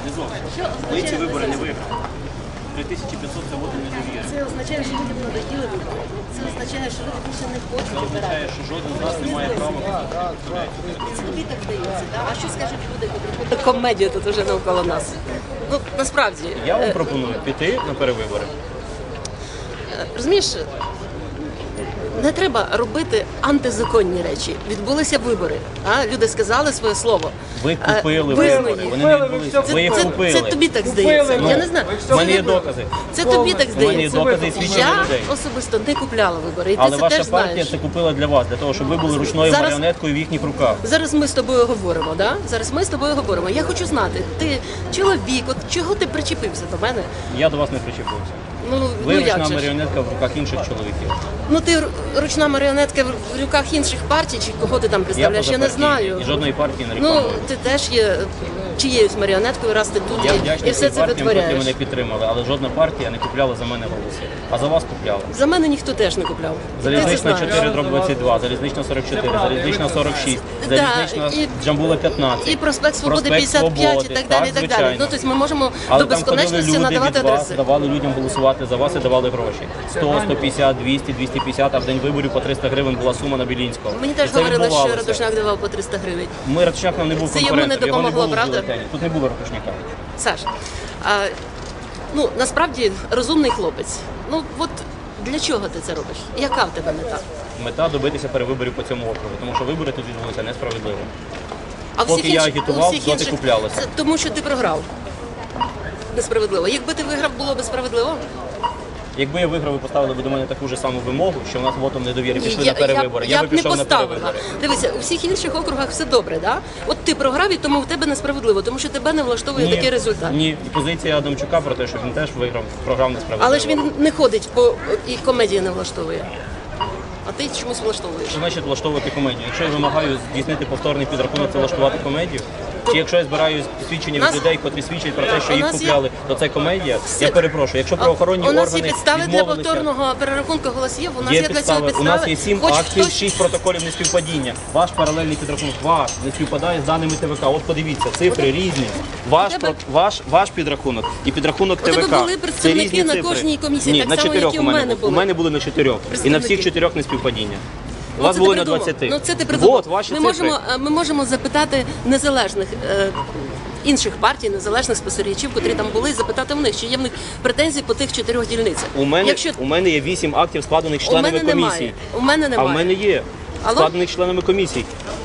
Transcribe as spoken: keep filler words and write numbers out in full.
Не зовсім. Ми ці вибори не виграли. три тисячі п'ятсот це воду недовіри. Це означає, що люди надоїли вибори. Це означає, що люди більше не хочуть Це означає, обирати. що жоден з нас не має права Це тобі так здається, так? А що скажуть люди, коли комедія тут уже навколо нас? Ну, насправді. Я вам е, пропоную піти на перевибори. Розумієш, не треба робити антизаконні речі. Відбулися вибори. А? Люди сказали своє слово. Ви Е, купили визнані. вибори, вони не відбулися. Це, Ви їх це, купили. це тобі так здається. Ну, Я не знаю. У мене є докази. Це тобі так У мене є здається. докази і свідчення Я людей. особисто не купляла вибори. І ти Але це ваша теж партія знаєш. це купила для вас, для того, щоб ви були ручною Зараз- маріонеткою в їхніх руках. Зараз ми з тобою говоримо, да? Зараз ми з тобою говоримо. Я хочу знати, ти чоловік, от чого ти причепився до мене? Я до вас не причепився. Ну, Ви ну як ручна же ж? маріонетка в руках інших чоловіків. Ну ти р- ручна маріонетка в руках інших партій, чи кого ти там представляєш? Я, не позапартійний, знаю. І жодної партії не Ну, рекламую. ти теж є чиєюсь маріонеткою, раз ти тут Я і, і вдячний все цим це партіям, які витворяєш. мене підтримали, але жодна партія не купляла за мене голоси. А за вас купляла. За мене ніхто теж не купляв. Ти це Залізнична знаєш. чотири дроб двадцять два, залізнична сорок чотири, залізнична сорок шість, Да, залізнична і- Джамбула п'ятнадцять. І проспект Свободи проспект п'ятдесят п'ять і Свободи. так далі. І так далі. звичайно. Ну, тобто ми можемо Але до там ходили безконечності люди надавати від вас, адреси. давали людям голосувати за вас і давали гроші. сто, сто п'ятдесят, двісті, двісті п'ятдесят, а в день виборів по триста гривень була сума на Білінського. Мені теж І це говорили, що відбувалося. Радушняк давав по триста гривень. Ми Радушняк нам не був Це йому конкурентом, не його не допомогло, було в правда? бюлетені. Тут не було Радушняка. Саш, а, ну насправді розумний хлопець. Ну от для чого ти це робиш? Яка в тебе мета? Мета добитися перевиборів по цьому округу, тому що вибори тут відбулися несправедливо. А Поки я агітував, у всіх доти куплялося. Це тому, що ти програв. Несправедливо. Якби ти виграв, було б справедливо. Якби я виграв і поставили б до мене таку ж саму вимогу, що в нас вотом недовіри Ні, пішли я, на перевибори, я, я би б не пішов на поставила. перевибори. Дивися, у всіх інших округах все добре, да? От ти програв, і тому в тебе несправедливо, тому що тебе не влаштовує такий результат. Ні, і позиція Адамчука про те, що він теж виграв, програв несправедливо. Але ж він не ходить по і комедії не влаштовує. А ти чомусь влаштовуєш. Що значить влаштовувати комедію? Якщо я вимагаю здійснити повторний підрахунок, це влаштувати комедію? Чи якщо я збираю свідчення від Нас- людей, котрі свідчать про те, що У їх нас є- купляли, то це комедія? Все- Я перепрошую, якщо правоохоронні у нас органи є підстави для відмовилися... повторного перерахунку голосів. У нас Є є, для цього підстави. У підстави. нас є сім Хоч актів, хтось- шість протоколів неспівпадіння. Ваш паралельний підрахунок, ваш не співпадає з даними Т В К. От подивіться, цифри різні. Ваш, У тебе- про- ваш, ваш підрахунок і підрахунок У тебе Т В К. були Це представники різні на цифри. кожній комісії, Ні, так на само, чотирьох як і у у мене мене були. У були. мене були на чотирьох. І на Представники. всіх чотирьох неспівпадіння. У Ну, вас це було ти на придумав. двадцяти. Ну це ти придумав. От, ваші ми цифри. можемо, е, ми можемо запитати незалежних е, інших партій, незалежних спостерігачів, котрі там були, і запитати в них, чи є в них претензії по тих чотирьох дільницях. У мене, Якщо у мене є вісім актів, складених у членами мене комісії. немає, у мене А немає. в мене є Алло? складених членами комісій.